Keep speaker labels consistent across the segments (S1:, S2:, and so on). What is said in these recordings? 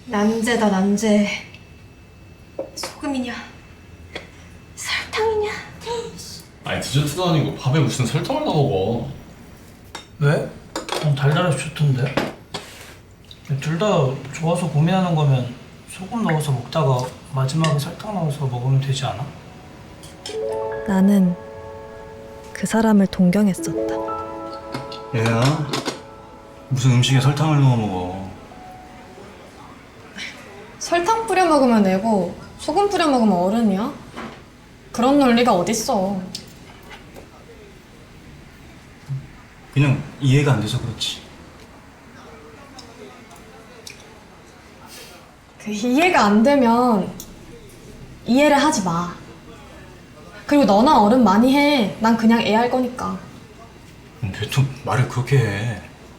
S1: 난제다 난제. 소금이냐 설탕이냐.
S2: 아니 디저트도 아니고 밥에 무슨 설탕을 넣어 먹어.
S3: 왜? 달달해서 좋던데. 둘 다 좋아서 고민하는 거면 소금 넣어서 먹다가 마지막에 설탕 넣어서 먹으면 되지 않아?
S4: 나는 그 사람을 동경했었다.
S5: 얘야, 무슨 음식에 설탕을 넣어 먹어.
S1: 설탕 뿌려 먹으면 애고 소금 뿌려 먹으면 어른이야? 그런 논리가 어딨어.
S5: 그냥 이해가 안 돼서 그렇지.
S1: 그 이해가 안 되면 이해를 하지 마. 그리고 너나 어른 많이 해. 난 그냥 애 할 거니까.
S5: 왜 또 말을 그렇게 해?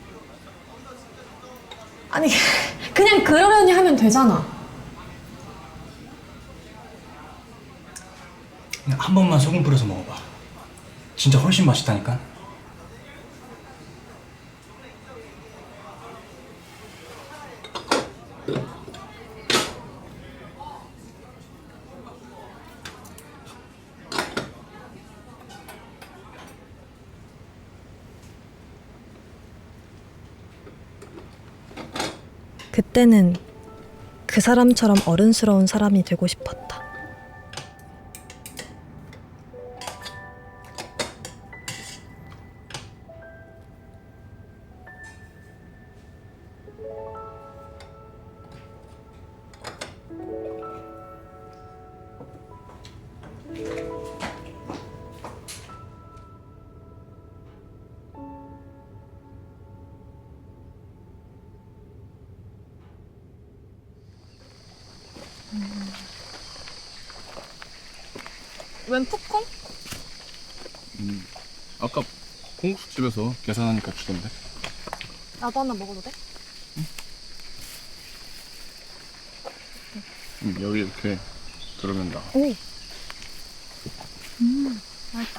S1: 아니 그냥 그러려니 하면 되잖아.
S5: 그냥 한 번만 소금 뿌려서 먹어봐. 진짜 훨씬 맛있다니까.
S4: 그때는 그 사람처럼 어른스러운 사람이 되고 싶었다.
S1: 웬 팝콘?
S2: 아까 콩국수집에서 계산하니까 주던데.
S1: 나도 하나 먹어도 돼?
S2: 여기 이렇게 들으면 나.
S1: 오. 맛있다.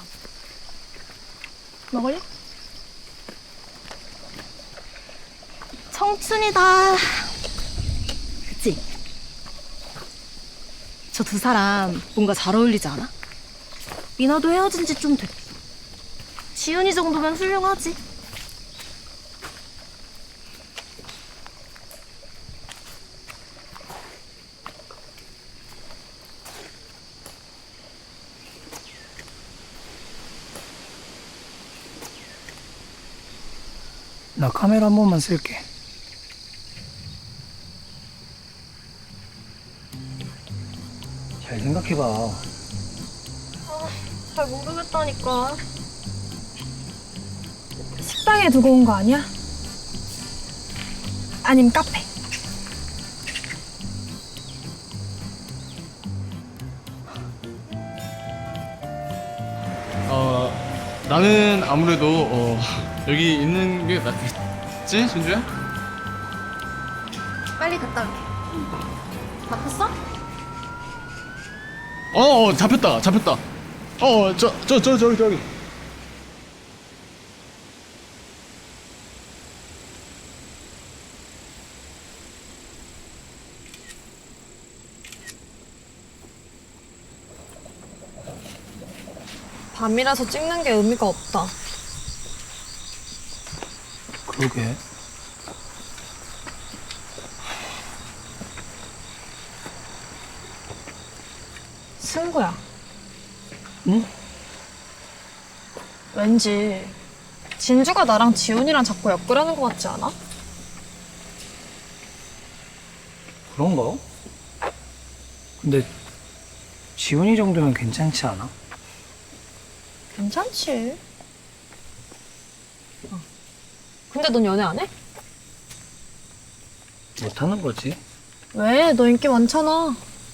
S1: 먹을래?
S6: 청춘이다. 그치? 저 두 사람 뭔가 잘 어울리지 않아? 미나도 헤어진 지 좀 됐고 지훈이 정도면 훌륭하지.
S3: 나 카메라 한 번만 쓸게. 잘 생각해봐.
S1: 잘 모르겠다니까.
S7: 식당에 두고 온 거 아니야? 아님 카페.
S2: 나는 아무래도 여기 있는 게 낫겠지, 준주야?
S6: 빨리 갔다 올게. 바꿨어?
S2: 잡혔다. 저기.
S1: 밤이라서 찍는 게 의미가 없다.
S3: 그러게.
S1: 승구야.
S3: 응?
S1: 왠지 진주가 나랑 지훈이랑 자꾸 엮으려는 것 같지 않아?
S3: 그런가? 근데 지훈이 정도면 괜찮지 않아?
S1: 괜찮지. 근데 넌 연애 안 해?
S3: 못하는 거지.
S1: 왜? 너 인기 많잖아.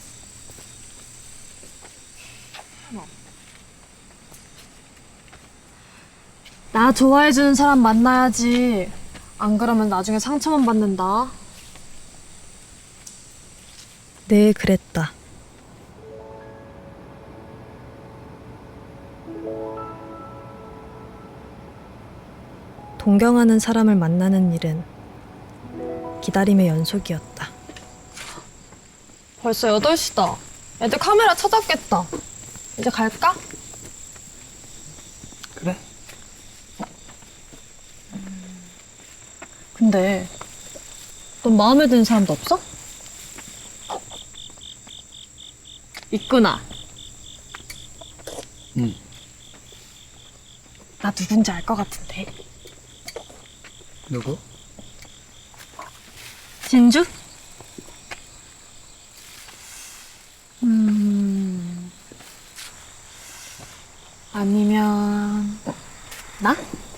S1: 나 좋아해주는 사람 만나야지. 안 그러면 나중에 상처만 받는다.
S4: 늘 그랬다. 동경하는 사람을 만나는 일은 기다림의 연속이었다.
S1: 벌써 8시다. 애들 카메라 찾았겠다. 이제 갈까?
S3: 그래?
S4: 근데 넌 마음에 드는 사람도 없어?
S1: 있구나.
S5: 응.
S1: 나 누군지 알 것 같은데.
S5: 누구?
S1: 진주? 아니면 나?